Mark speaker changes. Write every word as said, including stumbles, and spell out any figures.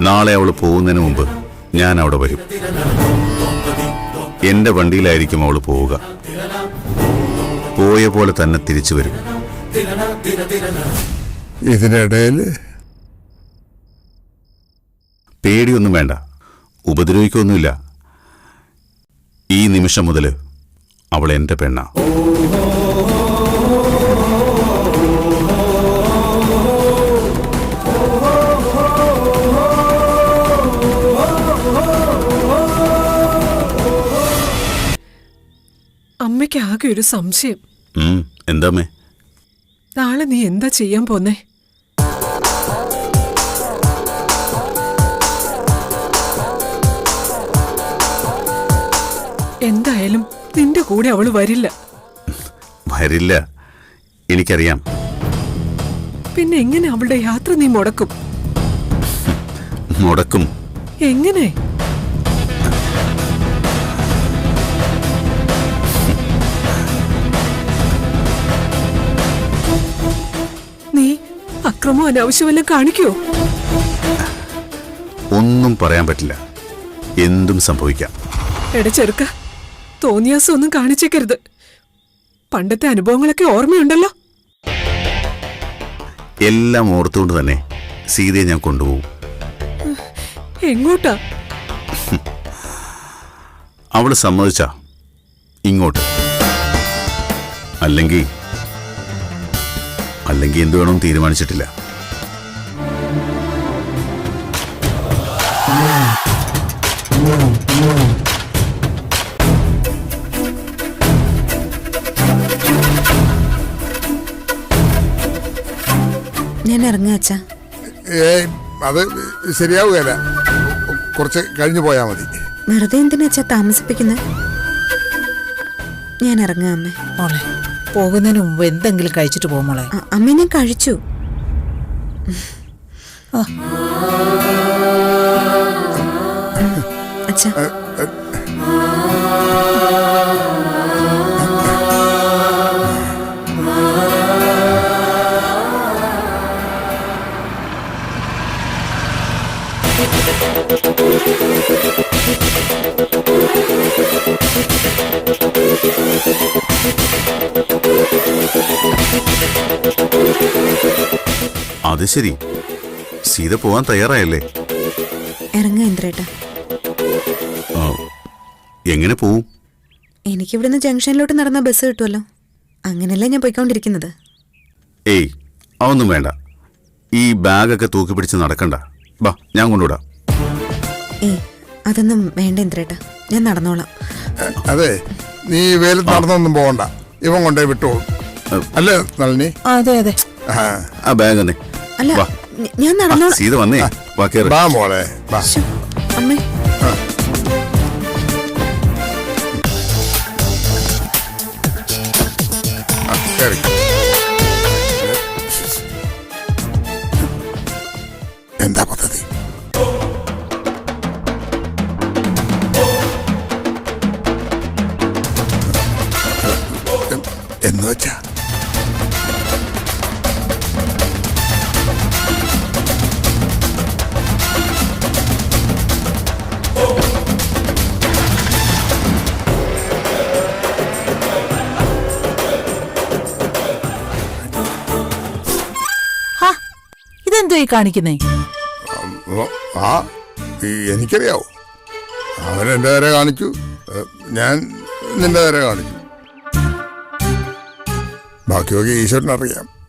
Speaker 1: നാളെ അവൾ പോകുന്നതിന് മുമ്പ് ഞാൻ അവിടെ വരും. എന്റെ വണ്ടിയിലായിരിക്കും അവൾ പോവുക. പോയ പോലെ തന്നെ തിരിച്ചു വരും.
Speaker 2: ഇതിനിടയിൽ
Speaker 1: പേടിയൊന്നും വേണ്ട, ഉപദ്രവിക്കൊന്നുമില്ല. ഈ നിമിഷം മുതൽ അവൾ എന്റെ പെണ്ണാ.
Speaker 3: അമ്മയ്ക്ക് ആകെ ഒരു സംശയം.
Speaker 1: എന്താമ്മേ?
Speaker 3: നാളെ നീ എന്താ ചെയ്യാൻ പോന്നേ? എന്തായാലും നിന്റെ കൂടെ അവള് വരില്ല.
Speaker 1: വരില്ല, എനിക്കറിയാം.
Speaker 3: പിന്നെ എങ്ങനെ അവളുടെ യാത്ര നീ മുടക്കും?
Speaker 1: മുടക്കും.
Speaker 3: എങ്ങനെ? നീ അക്രമം അനാവശ്യമെല്ലാം കാണിക്കോ?
Speaker 1: ഒന്നും പറയാൻ പറ്റില്ല, എന്തും സംഭവിക്കാം.
Speaker 3: എട ചെറുക്ക, തോന്നിയാസം ഒന്നും കാണിച്ചേക്കരുത്. പണ്ടത്തെ അനുഭവങ്ങളൊക്കെ ഓർമ്മയുണ്ടല്ലോ.
Speaker 1: എല്ലാം ഓർത്തുകൊണ്ട് തന്നെ സീതയെ ഞാൻ കൊണ്ടുപോകും.
Speaker 3: എങ്ങോട്ടാ?
Speaker 1: അവള് സമ്മതിച്ചാ ഇങ്ങോട്ട്. അല്ലെങ്കിൽ അല്ലെങ്കിൽ എന്ത് വേണമെന്ന് തീരുമാനിച്ചിട്ടില്ല.
Speaker 4: ഞാൻ ഇറങ്ങാ അച്ഛാ.
Speaker 2: ഏയ്, അത് ശരിയാവുകയല്ല. കുറച്ച് കഴിഞ്ഞു പോയാ മതി.
Speaker 4: വെറുതെ എന്തിനാ അച്ഛാ താമസിപ്പിക്കുന്നത്? ഞാൻ ഇറങ്ങാ അമ്മേ.
Speaker 5: മോളെ, പോകുന്നതിന് മുമ്പ് എന്തെങ്കിലും കഴിച്ചിട്ട് പോകും മോളെ.
Speaker 4: അമ്മ ഞാൻ കഴിച്ചു. അച്ഛാ,
Speaker 1: അത് ശരി, സീത പോവാൻ തയ്യാറായല്ലേ?
Speaker 4: ഇറങ്ങാ ഇന്ദ്രേട്ടാ.
Speaker 1: എങ്ങനെ പോവും?
Speaker 4: എനിക്കിവിടുന്ന് ജംഗ്ഷനിലോട്ട് നടന്ന ബസ് കിട്ടുമല്ലോ, അങ്ങനെയല്ലേ ഞാൻ പോയിക്കൊണ്ടിരിക്കുന്നത്.
Speaker 1: ഏയ്, അതൊന്നും വേണ്ട. ഈ ബാഗൊക്കെ തൂക്കി പിടിച്ച് നടക്കണ്ട. ബാ, ഞാൻ കൊണ്ടുവിടാം.
Speaker 4: ഏയ്, അതൊന്നും വേണ്ട ഇന്ദ്രേട്ടാ, ഞാൻ നടന്നോളാം.
Speaker 2: അതെ, നീ വേലത്ത് നടന്നൊന്നും പോകണ്ട, ഇവൻ കൊണ്ടേ വിട്ടോളൂ. അല്ലേ നളിനി?
Speaker 5: അതെ അതെ.
Speaker 1: ആ ബാഗ് തന്നെ.
Speaker 4: അല്ല, ഞാൻ നടന്നോളാം.
Speaker 1: സീത വന്നേ, വാ കേറ്.
Speaker 2: ബാ മോളെ, ബാ.
Speaker 4: അമ്മേ,
Speaker 2: എന്താ പദ്ധതി? എന്ന് വെച്ചാ
Speaker 5: ഇതെന്തോ ഈ കാണിക്കുന്നേ?
Speaker 2: ആ, എനിക്കറിയാവോ. അവൻ എൻ്റെ നേരെ കാണിച്ചു, ഞാൻ നിന്റെ നേരെ കാണിച്ചു. ബാക്കിയൊക്കെ ഈശ്വരനറിയാം.